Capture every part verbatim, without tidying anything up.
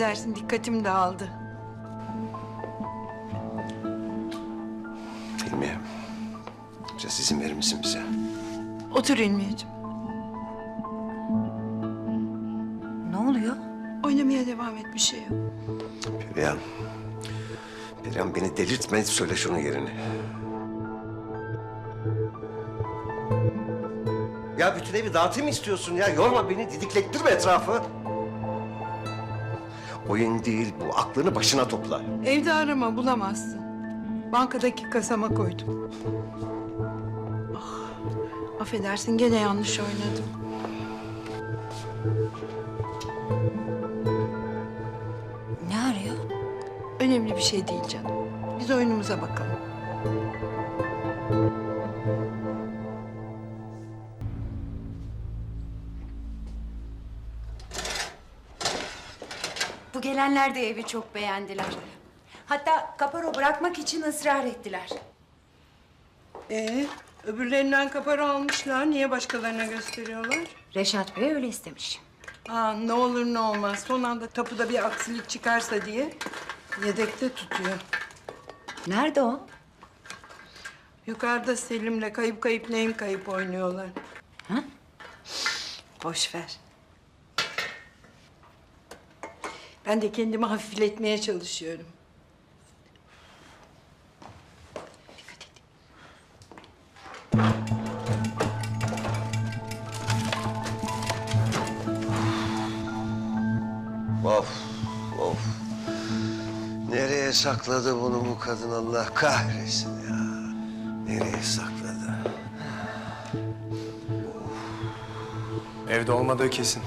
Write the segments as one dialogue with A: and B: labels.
A: Affedersin, dikkatim dağıldı.
B: Hilmiye, biraz izin verir misin bize?
A: Otur İlmiyeciğim.
C: Ne oluyor?
A: Oynamaya devam et, bir şey yok.
B: Perihan, Perihan beni delirtme, söyle şunun yerini. Ya bütün evi dağıtayım mı istiyorsun ya? Yorma beni, didiklettirme etrafı. Oyun değil bu, aklını başına topla.
A: Evde arama, bulamazsın. Bankadaki kasama koydum. Ah, affedersin, gene yanlış oynadım.
C: Ne arıyor?
A: Önemli bir şey değil canım. Biz oyunumuza bakalım.
C: Bu gelenler de evi çok beğendiler. Hatta kaparo bırakmak için ısrar ettiler.
A: Ee, öbürlerinden kapara almışlar. Niye başkalarına gösteriyorlar?
C: Reşat Bey öyle istemiş.
A: Aa, ne olur ne olmaz. Son anda tapuda bir aksilik çıkarsa diye yedekte tutuyor.
C: Nerede o?
A: Yukarıda Selim'le kayıp kayıp neyim kayıp oynuyorlar.
C: Ha?
A: Boş ver. Ben de kendimi hafifletmeye çalışıyorum. Dikkat et.
B: Of, of. Nereye sakladı bunu bu kadın, Allah kahretsin ya. Nereye sakladı?
D: Evde olmadığı kesin.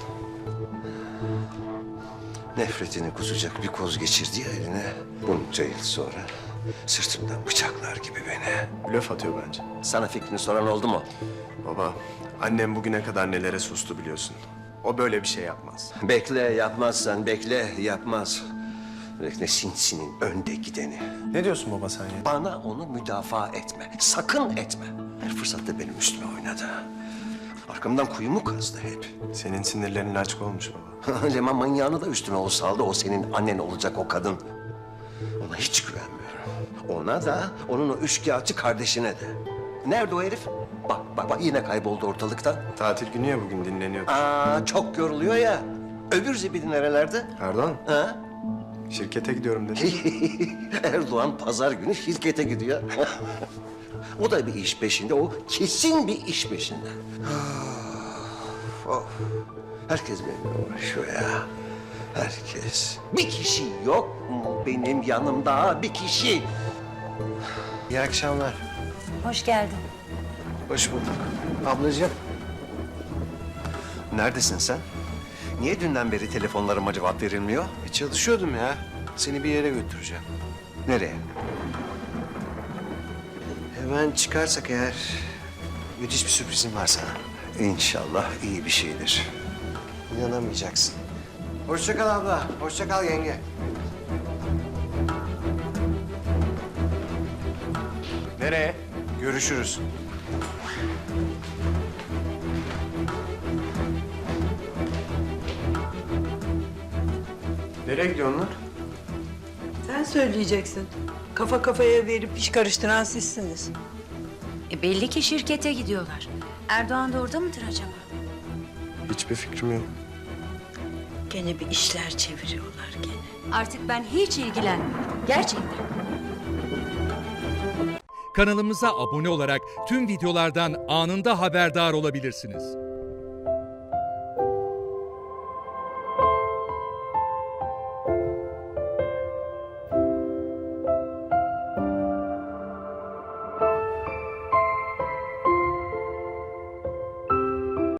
B: Nefretini kusacak bir koz geçirdi ya eline. Bunca yıl sonra sırtımdan bıçaklar gibi beni.
D: Blöf atıyor bence.
B: Sana fikrini soran oldu mu?
D: Baba, annem bugüne kadar nelere sustu biliyorsun. O böyle bir şey yapmaz.
B: Bekle, yapmazsan bekle, yapmaz. Bekle, sinsinin önde gideni.
D: Ne diyorsun baba sen ya?
B: Bana onu müdafaa etme, sakın etme. Her fırsatta benim üstüme oynadı. Arkamdan kuyumu kazdı hep.
D: Senin sinirlerin laçka olmuş baba.
B: Leman manyağını da üstüme o saldı. O senin annen olacak o kadın. Ona hiç güvenmiyorum. Ona da, onun o üçkağıtçı kardeşine de. Nerede o herif? Bak, bak, bak yine kayboldu ortalıktan.
D: Tatil günü ya bugün dinleniyor.
B: Aa, çok yoruluyor ya. Öbür zibidi nerelerde?
D: Erdoğan,
B: Ha?
D: şirkete gidiyorum dedi.
B: Erdoğan pazar günü şirkete gidiyor. O da bir iş peşinde, o kesin bir iş peşinde. Of, of. Herkes benimle uğraşıyor ya. Herkes. Bir kişi yok mu benim yanımda? Bir kişi.
D: İyi akşamlar.
C: Hoş geldin.
D: Hoş bulduk. Ablacığım.
B: Neredesin sen? Niye dünden beri telefonlarıma cevap verilmiyor?
D: E, çalışıyordum ya. Seni bir yere götüreceğim.
B: Nereye?
D: Hemen çıkarsak eğer müthiş bir sürprizim var sana.
B: İnşallah iyi bir şeydir.
D: İnanamayacaksın. Hoşça kal abla. Hoşça kal yenge. Nereye? Görüşürüz. Nereye gidiyorsun lan?
A: Sen söyleyeceksin. Kafa kafaya verip iş karıştıran sizsiniz.
C: E belli ki şirkete gidiyorlar. Erdoğan da orada mıdır acaba?
D: Hiçbir fikrim yok.
A: Gene bir işler çeviriyorlar gene.
C: Artık ben hiç ilgilenmiyorum. Gerçekten.
E: Kanalımıza abone olarak tüm videolardan anında haberdar olabilirsiniz.